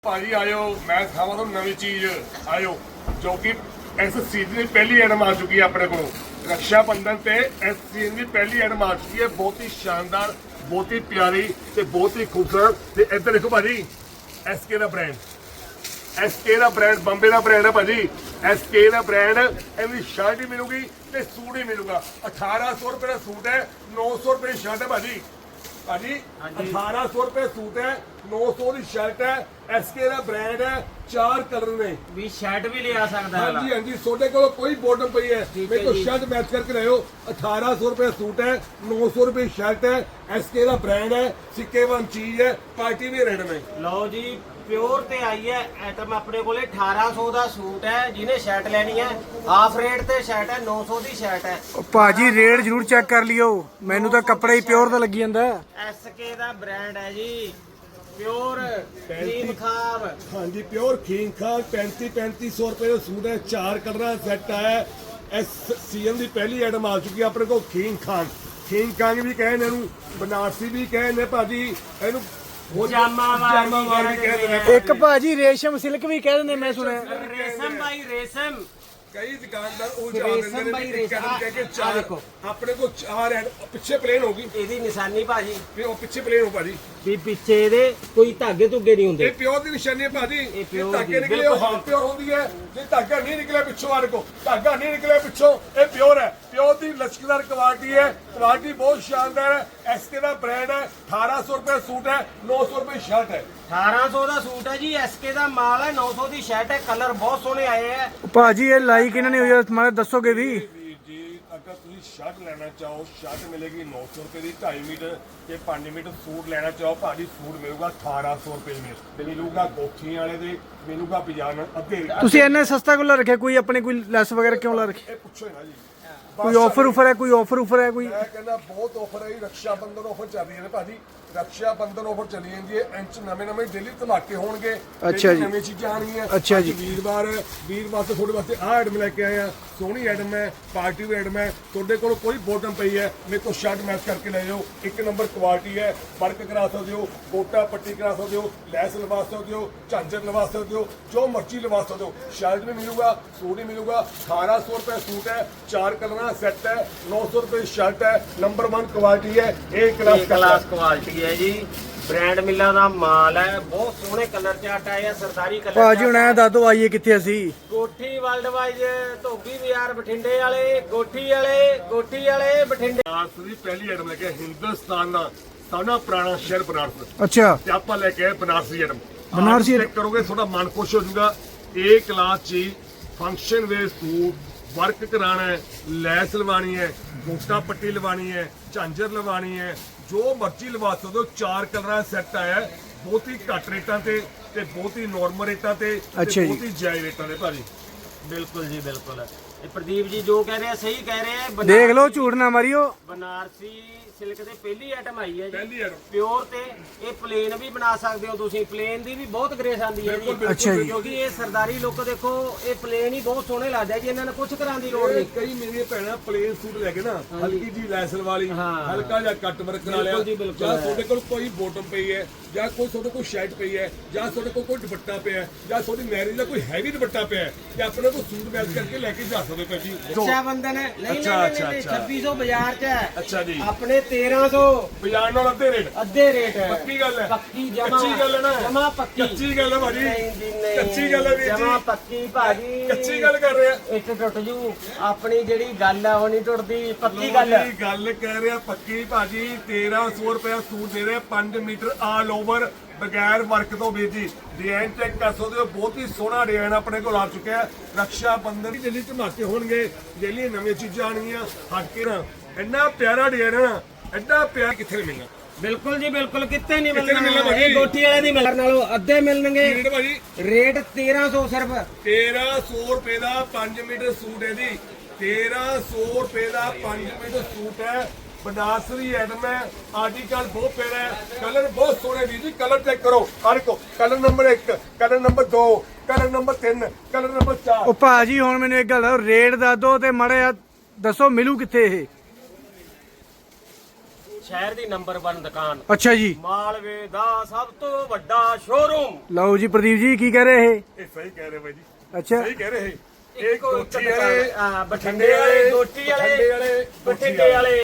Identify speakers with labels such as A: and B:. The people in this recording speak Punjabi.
A: ਭਾਜੀ ਆਇਓ ਮੈਂ ਦਿਖਾਵਾਂ ਤੁਹਾਨੂੰ ਨਵੀਂ ਚੀਜ਼ ਆਇਓ ਜੋ ਕਿ ਇਸ ਸੀਜ਼ਨ ਦੀ ਪਹਿਲੀ ਐਡਮ ਆ ਚੁੱਕੀ ਹੈ ਆਪਣੇ ਕੋਲ ਰਕਸ਼ਾ ਬੰਧਨ ਤੇ ਇਸ ਸੀਜ਼ਨ ਦੀ ਪਹਿਲੀ ਐਡਮ ਆ ਚੁੱਕੀ ਹੈ ਬਹੁਤ ਹੀ ਸ਼ਾਨਦਾਰ ਬਹੁਤ ਹੀ ਪਿਆਰੀ ਤੇ ਬਹੁਤ ਹੀ ਖੂਬਸੂਰਤ ਤੇ ਇੱਧਰ ਦੇਖੋ ਭਾਜੀ ਐਸਕੇ ਦਾ ਬ੍ਰਾਂਡ ਐਸਕੇ ਦਾ ਬ੍ਰਾਂਡ ਬੰਬੇ ਦਾ ਬ੍ਰਾਂਡ ਹੈ ਭਾਜੀ ਐਸਕੇ ਦਾ ਬ੍ਰਾਂਡ ਇਹਦੀ ਸ਼ਰਟ ਹੀ ਮਿਲੂਗੀ ਤੇ ਸੂਟ ਹੀ ਮਿਲੂਗਾ 1800 ਰੁਪਏ ਦਾ ਸੂਟ ਹੈ 900 ਰੁਪਏ ਦੀ ਸ਼ਰਟ ਹੈ ਭਾਜੀ ਭਾਜੀ 1800 ਰੁਪਏ ਸੂਟ ਹੈ 900 ਦੀ ਸ਼ਰਟ ਹੈ ਐਸਕੇ ਦਾ ਬ੍ਰਾਂਡ ਹੈ 4 ਕਲਰ ਨੇ
B: ਵੀ ਸ਼ਰਟ ਵੀ ਲਿਆ ਸਕਦਾ ਹੈ
A: ਹਾਂਜੀ ਹਾਂਜੀ ਤੁਹਾਡੇ ਕੋਲ ਕੋਈ ਬੋਟਮ ਪਈ ਹੈ ਮੇਰੇ ਕੋਲ ਸ਼ਰਟ ਮੈਚ ਕਰਕੇ ਲਿਆਓ 1800 ਰੁਪਏ ਸੂਟ ਹੈ 900 ਰੁਪਏ ਸ਼ਰਟ ਹੈ ਐਸਕੇ ਦਾ ਬ੍ਰਾਂਡ ਹੈ ਸਿੱਕੇਵਾਨ ਚੀਜ਼ ਹੈ ਪਾਰਟੀ ਵੀ ਰੇਟ में
B: ਲਓ ਜੀ ਪਿਓਰ ਤੇ ਆਈ ਹੈ ਆਈਟਮ ਆਪਣੇ ਕੋਲੇ 1800 ਦਾ ਸੂਟ ਹੈ ਜਿਹਨੇ ਸ਼ਰਟ ਲੈਣੀ ਹੈ ਹਾਫ ਰੇਟ ਤੇ ਸ਼ਰਟ ਹੈ 900 ਦੀ ਸ਼ਰਟ ਹੈ
C: ਭਾਜੀ ਰੇਟ ਜ਼ਰੂਰ ਚੈੱਕ ਕਰ ਲਿਓ ਮੈਨੂੰ ਤਾਂ ਕੱਪੜਾ ਹੀ ਪਿਓਰ ਦਾ ਲੱਗੀ ਜਾਂਦਾ
B: ਐਸਕੇ ਦਾ ਬ੍ਰਾਂਡ ਹੈ ਜੀ ਪਿਓਰ ਕਰੀਮ ਖਾਬ
A: ਹਾਂਜੀ ਪਿਓਰ ਖੀਨ ਖਾਨ 3500 ਰੁਪਏ ਦਾ ਸੂਟ ਹੈ 4 ਕਲਰਾਂ ਦਾ ਸੈੱਟ ਆਇਆ ਇਸ ਸੀਜ਼ਨ ਦੀ ਪਹਿਲੀ ਆਈਟਮ ਆ ਚੁੱਕੀ ਹੈ ਆਪਣੇ ਕੋਲ ਖੀਨ ਖਾਨ ਵੀ ਕਹਿੰਦੇ ਇਹਨੂੰ ਬਨਾਰਸੀ ਵੀ ਕਹਿੰਦੇ ਭਾਜੀ ਇਹਨੂੰ
B: ਜਾਮਾਵਾਰ
A: ਵੀ ਕਹਿੰਦੇ ਨੇ
C: ਇੱਕ ਭਾਜੀ ਰੇਸ਼ਮ ਸਿਲਕ ਵੀ ਕਹਿ ਦਿੰਦੇ ਮੈਂ ਸੁਣਿਆ
B: ਰੇਸ਼ਮ ਬਾਈ ਰੇਸ਼ਮ
A: ਕਈ ਦੁਕਾਨਦਾਰ ਉਹ
B: ਰੇਸ਼ਮ
A: ਜਾਣਦੇ
B: ਬਾਈ
A: ਨੇ
B: ਰੇਸ਼ਮ।
A: ਕਹਿ ਕੇ
B: ਆਹ
A: ਚਾਰ
B: ਦੇਖੋ।
A: ਆਪਣੇ ਕੋਲ 4 ਐਡ ਪਿੱਛੇ ਪਲੇਨ ਹੋਗੀ
B: ਇਹਦੀ ਨਿਸ਼ਾਨੀ ਭਾਜੀ
A: ਫਿਰ ਉਹ ਪਿੱਛੇ ਪਲੇਨ ਹੋ ਭਾਜੀ
B: ਵੀ ਪਿੱਛੇ ਇਹਦੇ ਕੋਈ ਧਾਗੇ ਧੁੱਗੇ ਨਹੀਂ
A: ਇਹ
B: ਹੁੰਦੇ
A: ਪਿਓਰ ਦੀ ਨਿਸ਼ਾਨੀ ਹੈ ਭਾਜੀ
B: ਇਹ pure
A: ਧਾਗੇ
B: ਦੀ,
A: ਨਿਕਲੇ ਉਹ
B: ਬਿਲਕੁਲ।
A: ਹਾਂ ਪਿਓਰ ਹੁੰਦੀ ਹੈ ਜੇ ਧਾਗਾ ਨਹੀਂ ਨਿਕਲਿਆ ਪਿੱਛੋਂ ਆਰ ਕੋ ਧਾਗਾ ਨਹੀਂ ਨਿਕਲਿਆ ਪਿੱਛੋਂ ਇਹ ਪਿਓਰ ਹੈ ਪਿਓਰ ਦੀ ਲਚਕਦਾਰ ਕੁਆਲਿਟੀ ਹੈ ਕੁਆਲਿਟੀ ਬਹੁਤ ਸ਼ਾਨਦਾਰ ਹੈ ਐਸਕੇ ਦਾ ਬ੍ਰਾਂਡ ਹੈ 1800 ਰੁਪਏ ਸੂਟ ਹੈ 900 ਰੁਪਏ ਸ਼ਰਟ ਹੈ
B: 1800 ਦਾ ਸੂਟ ਹੈ ਜੀ ਐਸਕੇ ਦਾ ਮਾਲ ਹੈ 900 ਦੀ ਸ਼ਰਟ ਹੈ ਕਲਰ ਬਹੁਤ ਸੋਹਣੇ ਆਏ ਹੈ
C: ਭਾਜੀ ਇਹ ਲਾਈਕ ਇਹਨਾਂ ਨੇ ਹੋਈ ਆ ਮਾਰੇ ਦੱਸੋਗੇ ਵੀ
A: ਵੀਰ ਜੀ ਅਗਰ ਤੁਸੀਂ ਸ਼ਰਟ ਲੈਣਾ ਚਾਹੋ ਸ਼ਰਟ ਮਿਲੇਗੀ 900 ਰੁਪਏ ਦੀ 2.5 ਮੀਟਰ ਤੇ 5 ਮੀਟਰ ਸੂਟ ਲੈਣਾ ਚਾਹੋ ਭਾਜੀ ਸੂਟ ਮਿਲੂਗਾ 1800 ਰੁਪਏ ਮੀਟਰ ਮਿਲੂਗਾ ਗੋਖੀਆਂ ਵਾਲੇ ਦੇ ਮਿਲੂਗਾ ਪਜਾਮਾ ਅੱਧੇ
C: ਤੁਸੀਂ ਇੰਨਾ ਸਸਤਾ ਕਿਉਂ ਲਾ ਰੱਖਿਆ ਕੋਈ ਆਪਣੇ ਕੋਈ ਲੈਸ ਵਗੈਰਾ ਕਿਉਂ ਲਾ ਰੱਖੀ
A: ਇਹ ਪੁੱਛੋ ਨਾ ਜੀ
C: ਕੋਈ ਆਫਰ ਉਫਰ ਹੈ ਕੋਈ ਆਫਰ ਉਫਰ ਹੈ ਕੋਈ
A: ਮੈਂ ਕਹਿੰਦਾ ਬਹੁਤ ਆਫਰ ਹੈ ਜੀ ਰਕਸ਼ਾ ਬੰਧਨ ਆਫਰ ਚੱਲ ਰਹੀ ਹੈ ਭਾਜੀ ਰਕਸ਼ਾ ਬੰਧਨ ਆਫਰ ਚੱਲੀ ਜਾਂਦੀ ਹੈ ਇੰਚ ਨਵੇਂ ਡੇਲੀ ਧਮਾਕੇ ਹੋਣਗੇ
C: ਅੱਛਾ ਜੀ।
A: ਨਵੀਂ ਚੀਜ਼ਾਂ ਆਣਗੀਆਂ
C: ਅੱਛਾ
A: ਅੱਜ
C: ਜੀ।
A: ਵੀਰਵਾਰ ਵਾਸਤੇ ਤੁਹਾਡੇ ਵਾਸਤੇ ਆਹ ਆਈਟਮ ਲੈ ਕੇ ਆਏ ਆ ਸੋਹਣੀ ਆਈਟਮ ਹੈ ਪਾਰਟੀ ਵੀ ਆਈਟਮ ਹੈ ਤੁਹਾਡੇ ਕੋਲ ਕੋਈ ਬੋਟਮ ਪਈ ਹੈ ਮੇਰੇ ਕੋਲ ਸ਼ਰਟ ਮੈਚ ਕਰਕੇ ਲੈ ਜਾਓ ਇੱਕ ਨੰਬਰ ਕੁਆਲਿਟੀ ਹੈ ਵਰਕ ਕਰਾ ਸਕਦੇ ਹੋ ਗੋਟਾ ਪੱਟੀ ਕਰਾ ਸਕਦੇ ਹੋ ਲੈਸ ਲਵਾ ਸਕਦੇ ਹੋ ਝਾਂਜਰ ਲਵਾ ਸਕਦੇ ਹੋ ਜੋ ਮਰਜ਼ੀ ਲਵਾ ਸਕਦੇ ਹੋ ਸ਼ਰਟ ਵੀ ਮਿਲੂਗਾ ਸੂਟ ਵੀ ਮਿਲੂਗਾ 1800 ਰੁਪਏ ਸੂਟ ਹੈ 4 ਕਲਰਾਂ ਦਾ ਸੈੱਟ ਹੈ 900 ਰੁਪਏ ਸ਼ਰਟ ਹੈ ਨੰਬਰ 1 ਕੁਆਲਿਟੀ ਹੈ ਇਹ
B: ਕਲਾਸ ਕੁਆਲਿਟੀ ਹੈ ਜੀ ਬ੍ਰਾਂਡ ਮਿੱਲਾਂ ਦਾ ਮਾਲ ਹੈ ਬਹੁਤ ਸੋਹਣੇ ਕਲਰ ਚਾਰਟ ਆਏ ਆ ਸਰਦਾਰੀ ਕਲਰ
C: ਭਾਜੀ ਹੁਣ ਐ ਦੱਸ ਦੋ ਆਈਏ ਕਿੱਥੇ ਅਸੀਂ
B: ਕੋਠੀ ਵਰਲਡ ਵਾਈਜ਼ ਧੋਬੀ ਬਾਜ਼ਾਰ ਬਠਿੰਡੇ ਵਾਲੇ ਕੋਠੀ ਵਾਲੇ ਬਠਿੰਡੇ
A: ਬਨਾਰਸ ਦੀ ਪਹਿਲੀ ਆਈਟਮ ਲੈ ਕੇ ਹਿੰਦੁਸਤਾਨ ਦਾ ਸਾਡਾ ਪੁਰਾਣਾ ਸ਼ਹਿਰ ਬਨਾਰਸ
C: ਅੱਛਾ
A: ਤੇ ਆਪਾਂ ਲੈ ਕੇ ਆਏ ਬਨਾਰਸੀ ਆਈਟਮ
C: ਬਨਾਰਸੀ
A: ਚੈੱਕ ਕਰੋਗੇ ਤੁਹਾਡਾ ਮਨ ਖੁਸ਼ ਹੋ ਜਾਊਗਾ ਇਹ ਕਲਾਸ ਚ ਫੰਕਸ਼ਨ ਵੇਅਰ ਸੂਟ ਵਰਕ ਕਰਾਣਾ ਹੈ ਲੈਸ ਲਵਾਣੀ ਹੈ ਗੋਟਾ ਪੱਟੀ ਲਵਾਣੀ ਹੈ ਝਾਂਜਰ ਲਵਾਣੀ ਹੈ ਜੋ ਮਰਜ਼ੀ ਲਵਾ ਸਕਦੇ ਹੋ 4 ਕਲਰਾਂ ਦਾ ਸੈੱਟ ਆਇਆ ਹੈ ਬਹੁਤ ਹੀ ਘੱਟ ਰੇਟਾਂ ਤੇ ਬਹੁਤ ਹੀ ਨਾਰਮਲ ਰੇਟਾਂ ਤੇ
C: ਅੱਛਾ ਜੀ।
A: ਬਹੁਤ ਹੀ ਜਾਇਜ਼ ਰੇਟਾਂ ਦੇ ਭਾਜੀ
B: ਬਿਲਕੁਲ ਜੀ ਬਿਲਕੁਲ ਇਹ ਪ੍ਰਦੀਪ ਜੀ ਜੋ ਕਹਿ ਰਹੇ ਆ ਸਹੀ ਕਹਿ ਰਹੇ ਆ
C: ਦੇਖ ਲਓ ਝੂਠ ਨਾ ਮਾਰਿਓ
B: ਬਨਾਰਸੀ ਸਿਲਕ ਦੇ ਪਹਿਲੀ ਆਈਟਮ ਆਈ ਹੈ ਜੀ
A: ਪਹਿਲੀ ਆਈਟਮ
B: ਪਿਓਰ ਤੇ ਇਹ ਪਲੇਨ ਵੀ ਬਣਾ ਸਕਦੇ ਹੋ ਤੁਸੀਂ ਪਲੇਨ ਦੀ ਵੀ ਬਹੁਤ ਗ੍ਰੇਸ ਆਂਦੀ ਹੈ ਜੀ
C: ਅੱਛਾ ਜੀ।
B: ਕਿਉਂਕਿ ਇਹ ਸਰਦਾਰੀ ਲੁੱਕ ਦੇਖੋ ਇਹ ਪਲੇਨ ਹੀ ਬਹੁਤ ਸੋਹਣੇ ਲੱਗਦਾ ਜੀ ਇਹਨਾਂ ਨੂੰ ਕੁਝ ਕਰਾਂ ਦੀ ਲੋੜ ਨਹੀਂ
A: ਕਈ ਮੇਰੀਆਂ ਭੈਣਾਂ ਪਲੇਨ ਸੂਟ ਲੈ ਕੇ ਨਾ ਹਲਕੀ ਜੀ ਲੈਸਲ ਵਾਲੀ ਹਲਕਾ ਜਿਹਾ ਕੱਟ ਵਰਕ ਕਰਾ ਲਿਆ
B: ਬਿਲਕੁਲ ਜੀ, ਬਿਲਕੁਲ
A: ਜਾਂ ਤੁਹਾਡੇ ਕੋਲ ਕੋਈ ਬੋਟਮ ਪਈ ਹੈ ਜਾਂ ਕੋਈ ਤੁਹਾਡੇ ਕੋਲ ਸ਼ਰਟ ਪਈ ਹੈ ਜਾਂ ਤੁਹਾਡੇ ਕੋਲ ਕੋਈ ਦੁਪੱਟਾ ਪਿਆ ਹੈ ਜਾਂ ਤੁਹਾਡੀ ਮੈਰਿਜ ਦਾ ਕੋਈ ਹੈਵੀ ਦੁਪੱਟਾ ਪਿਆ ਹੈ ਤੇ ਆਪਣੇ ਕੋਲ ਸੂਟ ਮੈਚ ਕਰਕੇ ਲੈ ਕੇ ਜਾ ਸਕਦੇ ਹੋ ਜੀ
B: ਰਕਸ਼ਾ ਬੰਧਨ ਹੈ ਨਹੀਂ
A: ਅੱਛਾ,
B: ਨਹੀਂ
A: ਅੱਛਾ।
B: 2600 ਬਾਜ਼ਾਰ 'ਚ ਹੈ
A: ਅੱਛਾ ਜੀ
B: ਆਪਣੇ 1300
A: ਬਾਜ਼ਾਰ ਨਾਲ
B: ਅੱਧੇ ਰੇਟ ਹੈ
A: ਪੱਕੀ ਗੱਲ ਹੈ
B: ਪੱਕੀ ਜਮਾ
A: ਕੱਚੀ ਗੱਲ ਹੈ ਨਾ
B: ਜਮਾ ਪੱਕੀ
A: ਕੱਚੀ ਗੱਲ ਹੈ ਭਾਜੀ
B: ਨਹੀਂ ਜੀ ਨਹੀਂ
A: ਕੱਚੀ ਗੱਲ ਹੈ ਵੀਰ
B: ਜਮਾ
A: ਜੀ
B: ਪੱਕੀ ਭਾਜੀ
A: ਕੱਚੀ ਗੱਲ ਕਰ ਰਹੇ ਆ
B: ਇੱਟ ਟੁੱਟ ਜੂ ਆਪਣੀ ਜਿਹੜੀ ਗੱਲ ਆ ਉਹ ਨਹੀਂ ਟੁੱਟਦੀ ਪੱਕੀ ਗੱਲ
A: ਜੀ, ਗੱਲ ਕਹਿ ਰਿਹਾ ਪੱਕੀ ਭਾਜੀ 1300 ਰੁਪਏ ਸੂਟ ਦੇ ਰਹੇ 5 ਮੀਟਰ ਆਲ ਓਵਰ ਬਗੈਰ ਵਰਕ ਤੋਂ ਵੀਰ ਜੀ ਡਿਜ਼ਾਈਨ ਚੈੱਕ ਕਰ ਸਕਦੇ ਹੋ ਬਹੁਤ ਹੀ ਸੋਹਣਾ ਡਿਜ਼ਾਈਨ ਆਪਣੇ ਕੋਲ ਆ ਚੁੱਕਿਆ ਹੈ ਰਕਸ਼ਾ ਬੰਧਨ ਦੀ ਦਿੱਲੀ ਧਮਾਕੇ ਹੋਣਗੇ ਦਿੱਲੀ ਨਵੀਆਂ ਚੀਜ਼ਾਂ ਆਣਗੀਆਂ ਹਟ ਕੇ ਨਾ ਇੰਨਾ ਪਿਆਰਾ ਡਿਜ਼ਾਈਨ ਹੈ ਨਾ ਐਡਾ ਪਿਆਰ ਕਿੱਥੇ ਮਿਲਣਾ
B: ਬਿਲਕੁਲ ਜੀ ਬਿਲਕੁਲ ਕਿਤੇ ਨਹੀਂ
A: ਕਿੱਥੇ ਨੀ ਮਿਲਣਾ
B: ਮਿਲਣਾ
A: ਭਾਜੀ?
B: ਇਹ ਗੋਠੀ ਵਾਲੇ ਦੀ ਮਿਲਣ ਨਾਲੋਂ ਅੱਧੇ ਮਿਲਣਗੇ
A: ਰੇਟ ਭਾਜੀ
B: ਰੇਟ 1300 ਸਿਰਫ
A: 1300 ਰੁਪਏ ਦਾ 5 ਮੀਟਰ ਸੂਟ ਹੈ ਜੀ 1300 ਰੁਪਏ ਦਾ 5 ਮੀਟਰ ਸੂਟ ਹੈ ਬਨਾਰਸੀ ਆਈਟਮ ਹੈ ਆਰਟੀਕਲ ਬਹੁਤ ਪਿਆਰਾ ਹੈ ਕਲਰ ਬਹੁਤ ਸੋਹਣੇ ਵੀਰ ਜੀ ਕਲਰ ਚੈੱਕ ਕਰੋ ਹਰ ਕੋ colour number 1 colour number 2 colour number 3 colour number 4
C: ਉਹ ਭਾਜੀ ਹੁਣ ਮੈਨੂੰ ਇੱਕ ਗੱਲ ਰੇਟ ਦੱਸ ਦੋ ਤੇ ਮਾੜਾ ਜਿਹਾ ਦੱਸੋ ਮਿਲੂ ਕਿੱਥੇ ਇਹ
B: ਸ਼ਹਿਰ ਦੀ ਨੰਬਰ 1 ਦੁਕਾਨ,
C: ਅੱਛਾ ਜੀ,
B: ਮਾਲਵੇ ਦਾ ਸਭ ਤੋਂ ਵੱਡਾ ਸ਼ੋਰੂਮ।
C: ਲਓ ਜੀ ਪ੍ਰਦੀਪ ਜੀ ਕੀ ਕਹਿ ਰਹੇ
A: ਇਹ ਸਹੀ ਕਹਿ ਰਹੇ ਬਾਈ ਜੀ,
C: ਅੱਛਾ
A: ਸਹੀ ਕਹਿ ਰਹੇ ਇਹ
B: ਇੱਕੋ ਇੱਕ
A: ਗੋਠੀ
B: ਦੁਕਾਨ,
A: ਵਾਲੇ
B: ਬਠਿੰਡੇ ਵਾਲੇ, ਦੋਟੀ ਵਾਲੇ,
A: ਬਠਿੰਡੇ ਵਾਲੇ,
B: ਬਠਿੰਡੇ ਵਾਲੇ।